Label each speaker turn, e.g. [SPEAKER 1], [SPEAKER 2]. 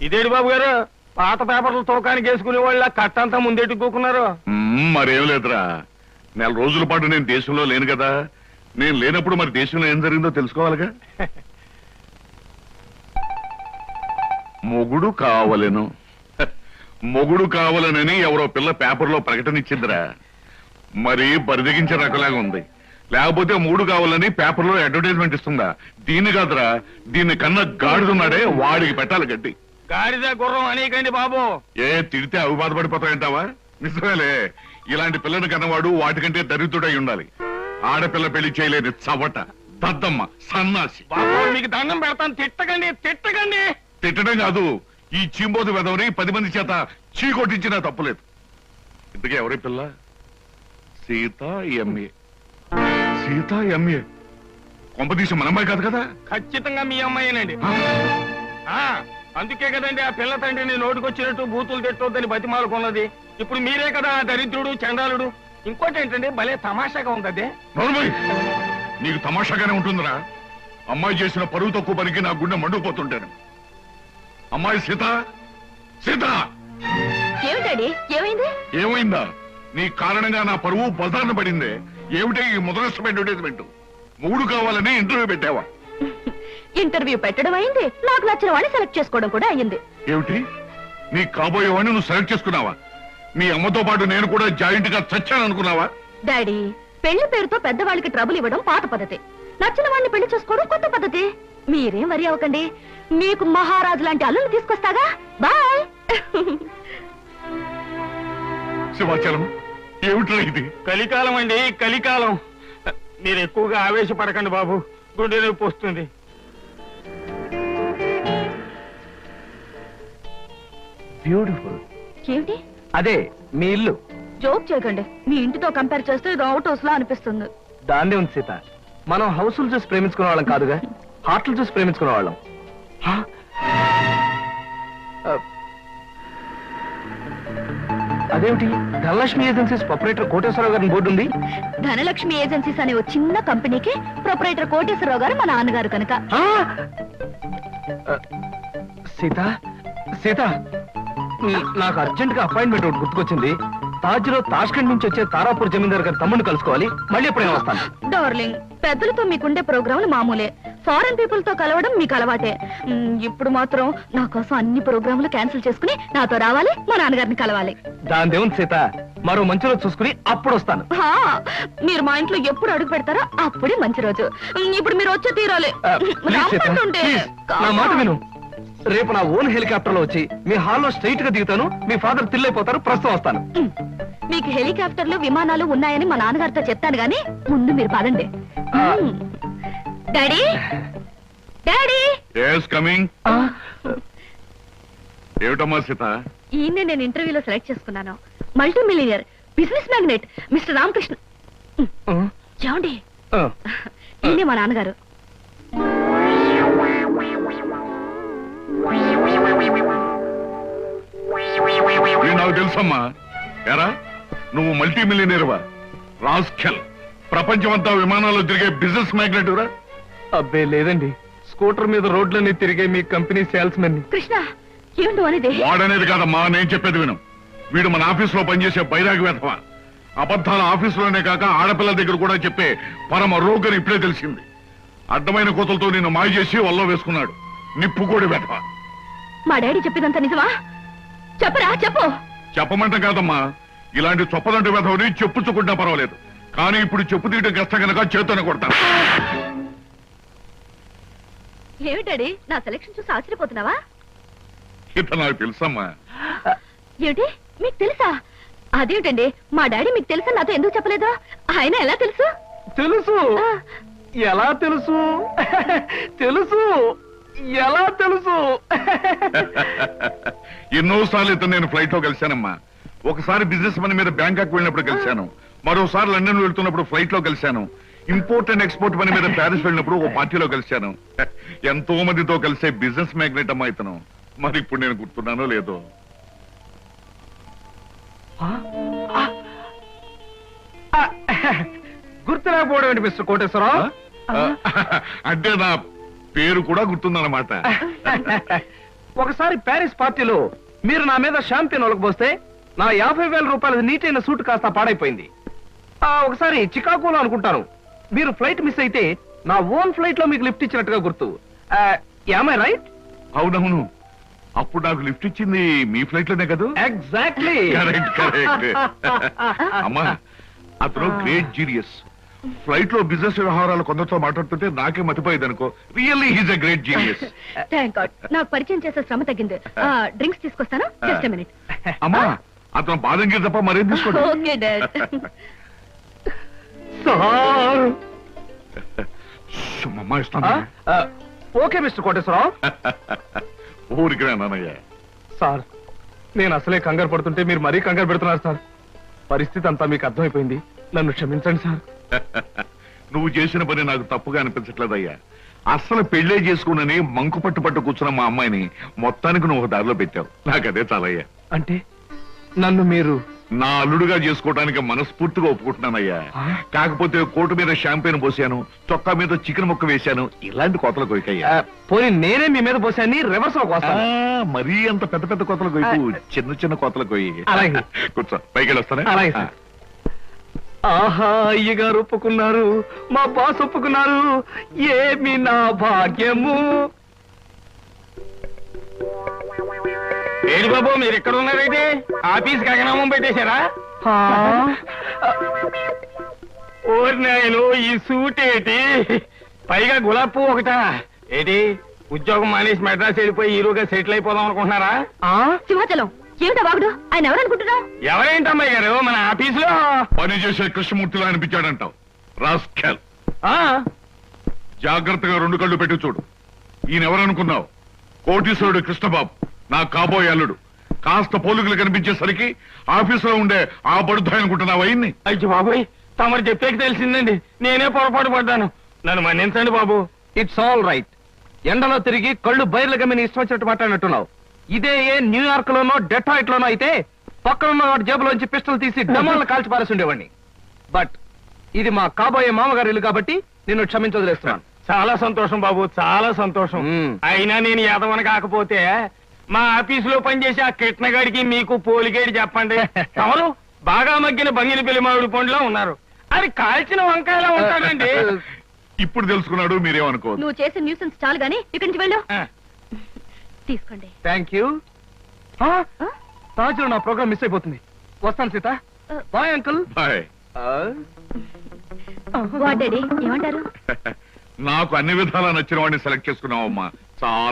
[SPEAKER 1] ఇదేడు బాబు గారు పాత పేపర్లు తోకానికి వేసుకునే వాళ్ళ కట్టంతా ముందెట్టుకోకున్నారు.
[SPEAKER 2] మరేం లేదురా, నెల రోజుల పాటు నేను దేశంలో లేను కదా. నేను లేనప్పుడు మరి దేశంలో ఏం జరిగిందో తెలుసుకోవాలిగా. మొగుడు కావలను మొగుడు కావాలనని ఎవరో పిల్ల పేపర్లో ప్రకటన ఇచ్చిందిరా. మరి బరిదగించే రకలాగా ఉంది. లేకపోతే మూడు కావాలని పేపర్లో అడ్వర్టైజ్మెంట్ ఇస్తుందా? దీన్ని కాదురా, దీన్ని కన్నా గాడిదున్నాడే వాడికి పెట్టాలి గడ్డి.
[SPEAKER 1] గాడిద గుర్రం అనేకండి బాబు.
[SPEAKER 2] ఏ తిడితే అవి బాధపడిపోతాయంటావా? నిజమేలే, ఇలాంటి పిల్లని కన్నవాడు వాటికంటే దరిద్రుడై ఉండాలి. ఆడపిల్ల పెళ్లి చేయలేని చవట, దద్దమ్మ, సన్నాసి.
[SPEAKER 1] బాబు మీకు దండం పెడతాను, తిట్టకండి తిట్టకండి.
[SPEAKER 2] తిట్టడం కాదు, ఈ చీంబోతు వెదవని 10 మంది చేత చీ కొట్టించినా తప్పులేదు. ఇంతకీ ఎవరి పిల్ల? సీత ఎంఏ. సీత ఎంఏ కొంపదీసి మన అమ్మాయి కాదు కదా?
[SPEAKER 1] ఖచ్చితంగా మీ అమ్మాయినండి. అందుకే కదండి ఆ పిల్ల తండ్రిని నోటుకొచ్చినట్టు బూతులు తిట్టొద్దని బతిమాలకున్నది. ఇప్పుడు మీరే కదా దరిద్రుడు, చండాలుడు. ఇంకోటి ఏంటండి, భలే తమాషాగా ఉంది అదే.
[SPEAKER 2] నీకు తమాషాగానే ఉంటుందిరా. అమ్మాయి చేసిన పరువు తక్కువ పనికి నా గుండె మండుకుపోతుంటాను. అమ్మాయి సీత, సీత ఏమైందా? నీ కారణంగా నా పరువు బజార్న పడిందే. ఏమిటే ఈ మొదలష్టం అడ్వర్టైజ్మెంట్? మూడు కావాలని ఇంటర్వ్యూ పెట్టావా?
[SPEAKER 3] ఇంటర్వ్యూ పెట్టడం అయింది, నాకు నచ్చిన వాడిని సెలెక్ట్ చేసుకోవడం కూడా అయింది.
[SPEAKER 2] ఏమిటి, నీ కాబోయే వాడిని నువ్వు సెలెక్ట్ చేసుకున్నావా? మీ అమ్మతో పాటు నేను కూడా జాయింట్ గా చచ్చాను అనుకున్నావా?
[SPEAKER 3] డాడీ, పెళ్లి పేరుతో పెద్దవాళ్ళకి ట్రబుల్ ఇవ్వడం పాత పద్ధతి, నచ్చిన వాడిని పెళ్లి చేసుకోవడం కొత్త పద్ధతి. మీరేం వరి అవ్వకండి, మీకు మహారాజు లాంటి అల్లుని తీసుకొస్తాగా. బాయ్.
[SPEAKER 2] శివాచలం, ఏమిట్రా ఇది?
[SPEAKER 1] కలికాలం అండి, కలికాలం. మీరు ఎక్కువగా ఆవేశపడకండి బాబు, గుండె నొప్పి వస్తుంది.
[SPEAKER 4] బ్యూటిఫుల్.
[SPEAKER 3] ఏమిటి?
[SPEAKER 4] అదే మీ ఇల్లు.
[SPEAKER 3] జోక్ చేయకండి, మీ ఇంటితో కంపేర్ చేస్తే ఇది అవుట్ హౌస్ లా అనిపిస్తుంది.
[SPEAKER 4] దాన్నే ఉంది సీత, మనం హౌస్లు చూసి ప్రేమించుకునే వాళ్ళం కాదుగా, హార్ట్లు చూసి ప్రేమించుకునే వాళ్ళం. అదేమిటి, ధనలక్ష్మి ఏజెన్సీస్ ప్రొపరేటర్ కోటేశ్వరరావు గారిని బోర్డు ఉంది.
[SPEAKER 3] ధనలక్ష్మి ఏజెన్సీస్ అనే ఒక చిన్న కంపెనీకి ప్రొపరేటర్ కోటేశ్వరరావు గారు మా నాన్నగారు కనుక.
[SPEAKER 4] సీత, సీత, నాకు అర్జెంట్ గా అపాయింట్మెంట్ ఒకటి గుర్తుకొచ్చింది. తాజ్ లో తాష్కండ్ నుంచి వచ్చే తారాపూర్ జమీందార్ గారి తమ్ముడిని కలుసుకోవాలి. మళ్ళీ ఎప్పుడైనా వస్తాను.
[SPEAKER 3] డార్లింగ్, పెద్దలతో మీకుండే ప్రోగ్రాంలు మామూలే, ఫారెన్ పీపుల్ తో కలవడం మీకు అలవాటే. ఇప్పుడు మాత్రం నా కోసం అన్ని ప్రోగ్రాంలు క్యాన్సిల్ చేసుకుని నాతో రావాలి, మా నాన్నగారిని కలవాలి.
[SPEAKER 4] దాని దేవుని సీత, మరో మంచి రోజు చూసుకుని అప్పుడు వస్తాను.
[SPEAKER 3] మీరు మా ఇంట్లో ఎప్పుడు అడుగు పెడతారో అప్పుడే మంచి రోజు. ఇప్పుడు మీరు వచ్చే తీరాలి.
[SPEAKER 4] నా మాట విను, రేపు నా ఓన్ హెలికాప్టర్ లో వచ్చి మీ హాల్లో స్ట్రైట్ గా దిగుతాను. మీ ఫాదర్ తిల్లైపోతారు. ప్రస్తుతం వస్తాను.
[SPEAKER 3] మీకు హెలికాప్టర్లు, విమానాలు ఉన్నాయని మా నాన్నగారితో చెప్తాను గానీ ముందు మీరు పదండి. Daddy, daddy.
[SPEAKER 2] ఏమిటమ్మా సీత?
[SPEAKER 3] ఈయన్నే నేను ఇంటర్వ్యూలో సెలెక్ట్ చేసుకున్నాను. Multi millionaire, business magnet mister Ramakrishna. ఏమండి, ఈయనే మా నాన్నగారు.
[SPEAKER 2] నాకు తెలుసమ్మా. ఎరా, నువ్వు మల్టీ మిలియనీర్వా? రాస్కెల్, ప్రపంచమంతా విమానాల్లో తిరిగే బిజినెస్ మ్యాగ్నెట్ రా?
[SPEAKER 4] అబ్బే లేదండి, స్కూటర్ మీద రోడ్లన్నీ తిరిగే మీ కంపెనీ సేల్స్ మెన్.
[SPEAKER 3] కృష్ణ, ఏమిటో అనేది?
[SPEAKER 2] వాడనేది కాదమ్మా, నేను చెప్పేది విను. వీడు మన ఆఫీస్ లో పనిచేసే బైరాగి వేధవ. అబద్ధాల ఆఫీసులోనే కాక ఆడపిల్లల దగ్గర కూడా చెప్పే పరమ రోగని ఇప్పుడే తెలిసింది. అడ్డమైన కోతలతో నిన్ను మాయ చేసి వల్ల వేసుకున్నాడు. నిప్పుకోడి వేధవ.
[SPEAKER 3] మా డాడీ చెప్పినంత నిజమా? చెప్పరా, చెప్పు.
[SPEAKER 2] చెప్పమంటే కాదమ్మా, ఇలాంటి చొప్పదంటే వేధవని చెప్పుచ్చుకుంటా పర్వాలేదు, కానీ ఇప్పుడు చెప్పు తీయడం కష్టం కనుక చేతోనే కొడతాను.
[SPEAKER 3] ఏమిటాడి, నా సెలక్షన్ చూసి ఆశ్చర్యపోతున్నావా?
[SPEAKER 2] ఇతను నాకు తెలుసమ్మా.
[SPEAKER 3] ఏమిటి, మీకు తెలుసా? అదేమిటండి, మా డాడీ మీకు తెలుసా నాతో ఎందుకు చెప్పలేదు? ఆయన ఎలా తెలుసు?
[SPEAKER 4] తెలుసు. ఎలా తెలుసు? తెలుసు. ఎలా తెలుసు?
[SPEAKER 2] ఎన్నోసార్లు ఇతను నేను ఫ్లైట్ లో కలిశానమ్మా. ఒకసారి బిజినెస్ పని మీద బ్యాంకాక్ వెళ్ళినప్పుడు కలిశాను. మరోసారి లండన్ వెళ్తున్నప్పుడు ఫ్లైట్ లో కలిశాను. ఇంపోర్ట్ అండ్ ఎక్స్పోర్ట్ పని మీద ప్యారిస్ వెళ్ళినప్పుడు ఒక పార్టీలో కలిశాను. ఎంతో మందితో కలిసే బిజినెస్ మ్యాగ్నెట్ అమ్మా ఇతను. మరి ఇప్పుడు నేను గుర్తున్నానో లేదో.
[SPEAKER 4] గుర్తులేకపోవడం ఏంటి మిస్టర్ కోటేశ్వరరావు?
[SPEAKER 2] అంటే నా పేరు కూడా గుర్తుందన్నమాట.
[SPEAKER 4] ఒకసారి ప్యారిస్ పార్టీలో మీరు నా మీద షాంపియన్ ఒలకపోస్తే నా 50,000 రూపాయల నీటైన సూట్ కాస్త పాడైపోయింది. ఒకసారి చికాగోలో అనుకుంటాను మీరు ఫ్లైట్ మిస్ అయితే నా ఓన్ ఫ్లైట్ లో మీకు లిఫ్ట్ ఇచ్చినట్టుగా గుర్తు. Am I right?
[SPEAKER 2] అవునవును, అప్పుడు నాకు లిఫ్ట్ ఇచ్చింది మీ ఫ్లైట్ లోనే కదా.
[SPEAKER 4] ఎగ్జాక్ట్లీ.
[SPEAKER 2] Correct correct. అమ్మా, అతను గ్రేట్ జీనియస్. ఫ్లైట్ లో బిజినెస్ వ్యవహారాలు కొందరితో మాట్లాడుతుంటే నాకే మతిపోయేది అనుకో. Really he's a great genius.
[SPEAKER 3] Thank god, నాకు పరిచయం చేసే శ్రమ తగ్గింది. డ్రింక్స్ తీసుకొస్తాను, జస్ట్ మినిట్.
[SPEAKER 2] అమ్మా, అతను బాదం గీర్ తప్ప మరేం తీసుకోండి.
[SPEAKER 3] Okay dad.
[SPEAKER 2] అమ్మా ఇస్తాను.
[SPEAKER 4] Okay mister Koteswararao.
[SPEAKER 2] ఊరికి నాన్నయ్య.
[SPEAKER 4] సార్, నేను అసలే కంగారు పడుతుంటే మీరు మరీ కంగారు పెడుతున్నారు సార్. పరిస్థితి అంతా మీకు అర్థమైపోయింది, నన్ను క్షమించండి సార్.
[SPEAKER 2] నువ్వు చేసిన పని నాకు తప్పుగా అనిపించట్లేదయ్యా. అస్సలు పెళ్లే చేసుకున్నని మంకు పట్టు కూర్చున్న మా అమ్మాయిని మొత్తానికి నువ్వు దారిలో పెట్టావు. నాకదే చాలయ్యా.
[SPEAKER 4] అంటే నన్ను మీరు
[SPEAKER 2] నా అల్లుడుగా చేసుకోవడానికి మనస్ఫూర్తిగా ఒప్పుకుంటున్నానయ్యా. కాకపోతే కోటు మీద షాంపెయిన్ పోసాను, చొక్కా మీద చికెన్ ముక్క వేశాను, ఇలాంటి కోతలు కొయ్యకయ్యా.
[SPEAKER 4] పోనీ నేనే మీ మీద పోసాన్ని రివర్స్ లో కోస్తాను.
[SPEAKER 2] మరీ అంత పెద్ద పెద్ద కోతలు కొయ్యకు, చిన్న చిన్న కోతలు కొయ్యి.
[SPEAKER 4] అలాగే.
[SPEAKER 2] కూర్చో, పైకి వెళ్ళొస్తానే.
[SPEAKER 4] అలాగే సార్. ఆహా, అయ్యగారు ఒప్పుకున్నారు, మా బాస్ ఒప్పుకున్నారు, ఏమి నా భాగ్యము.
[SPEAKER 1] ఏడు బాబు, మీరు ఎక్కడ ఉన్నారైతే ఆఫీస్ గగనామం పెట్టేశారా? ఓరి నాయను, ఈ సూట్ ఏంటి, పైగా గులాబ్ పువ్వు ఒకటా ఏంటి? ఉద్యోగం మానేసి మెడ్రాస్ వెళ్ళిపోయి హీరోగా సెటిల్ అయిపోదాం అనుకుంటున్నారా?
[SPEAKER 3] సింహాచలం, ఏమిటా వాగుడు? ఆయన ఎవరనుకుంటున్నావు?
[SPEAKER 1] ఎవరేంటమ్మాయి గారు, మన ఆఫీసులో
[SPEAKER 2] పని చేసే కృష్ణమూర్తిలా అనిపించాడంటావు. రాస్కెల్, జాగ్రత్తగా 2 కళ్ళు పెట్టి చూడు. ఈయన ఎవరనుకున్నావు? కోటీశ్వరుడు కృష్ణబాబు, నా కాబోయే అల్లుడు. కాస్త పోలికలు కనిపించేసరికి ఆఫీసులో ఉండే ఆ బడుద్దాయి అనుకుంటున్నావు అయ్యింది.
[SPEAKER 1] అయ్యో బాబోయ్, తమరు చెప్పేకి తెలిసిందండి, నేనే పొరపాటు పడ్డాను, నన్ను మన్నించండి బాబు.
[SPEAKER 4] It's all right. ఎండలో తిరిగి కళ్ళు బయర్లు గమ్మిని ఇష్టం వచ్చినట్టు మాట్లాడినట్టున్నావు. ఇదే ఏ న్యూయార్క్ లోనో డెట్రాయిట్ లోనో అయితే పక్కనున్న వాడి జేబులోంచి పిస్టల్ తీసి డమాలను కాల్చి పారేసి ఉండేవాడిని. బట్ ఇది మా కాబోయే మామగారి ఇల్లు కాబట్టి నిన్ను క్షమించవదిలేస్తున్నాను.
[SPEAKER 1] చాలా సంతోషం బాబు, చాలా సంతోషం. అయినా నేను యాదవన కాకపోతే మా ఆఫీసులో పనిచేసే ఆ కిట్నగాడికి మీకు పోలిగేడి చెప్పండి. ఎవరు బాగా మగ్గిన బంగిన పెళ్లి మామిడి పండులో ఉన్నారు, అది కాల్చిన వంకాయలా ఉంటాడండి.
[SPEAKER 2] ఇప్పుడు తెలుసుకున్నాడు, మీరేమనుకోవద్దు.
[SPEAKER 3] నువ్వు చేసే న్యూసెన్స్ చాలు గానీ ఇక్కడి నుంచి వెళ్ళు. తీసుకోండి.
[SPEAKER 4] Thank you. తాజులో నా ప్రోగ్రామ్ మిస్ అయిపోతుంది. వస్తాను Sita. Bye uncle.
[SPEAKER 2] Bye.
[SPEAKER 3] What daddy ఏమంటారు?
[SPEAKER 2] నాకు అన్ని విధాలా నచ్చిన వాడిని సెలెక్ట్ చేసుకున్నావమ్మా. చాలా